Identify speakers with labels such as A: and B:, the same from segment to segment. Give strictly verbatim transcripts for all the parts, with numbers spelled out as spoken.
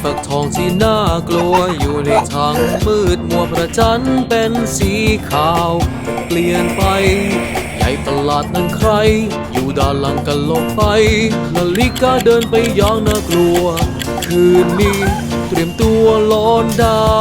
A: ฟักทองที่น่ากลัวอยู่ในทางมืดมัวพระจันทร์เป็นสีขาวเปลี่ยนไปใหญ่ประหลาดนั้นใครอยู่ด้านหลังกันลงไปนาฬิกาเดินไปอย่างน่ากลัวคืนนี้เตรียมตัวร้อนได้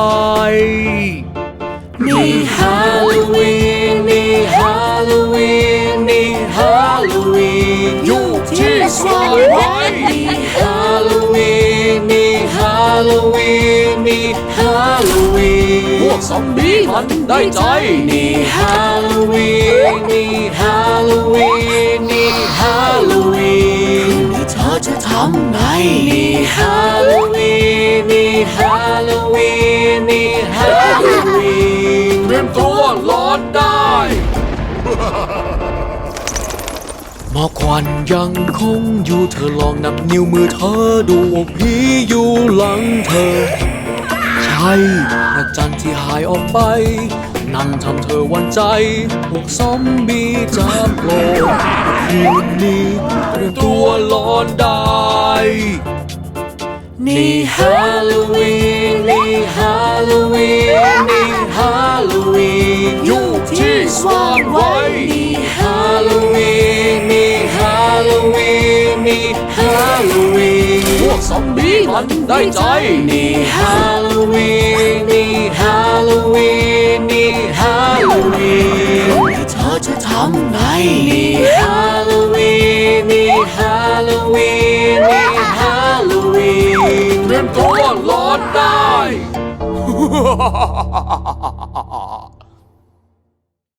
A: นี่ฮาโลวีนนี่ฮาโลวีนนี่ฮาโลวีนอยู่ที่สวายไว้นี่ฮาโลวีนนี่ฮาโลวีนนี่ฮาโลวีนพวกซอมบี้มันได้ใจนี่ฮาโลวีนนี่ฮาโลวีนนี่ฮาโลวีนนี่เธอจะทำไงนี่ฮาโลวีนนี่ฮาโลวีนนี่ฮาโลวีนเตรียมตัวร้อนได้หมอกควันยังคงอยู่เธอลองนับนิ้วมือเธอดูว่าผีอยู่หลังเธอใช่พระจันทร์ที่หายออกไปนั่นทำเธอหวั่นใจพวกซอมบี้จะโผล่คืนนี้เตรียมตัวร้อนได้นี่ฮาโลวีนนี่ฮาโลวีนนี่ฮาโลวีนอยู่ที่สว่างไว้นี่ฮาโลวีนนี่ฮาโลวีนนี่ฮาโลวีนพวกซอมบี้มันได้ใจนี่ฮาโลวีนนี่ฮาโลวีนนี่ฮาโลวีนเธอจะทำไงนี่ฮาโลวีนนี่ฮาโลวีนนี่ฮาโลวีนเตรียมตัวร้อนได้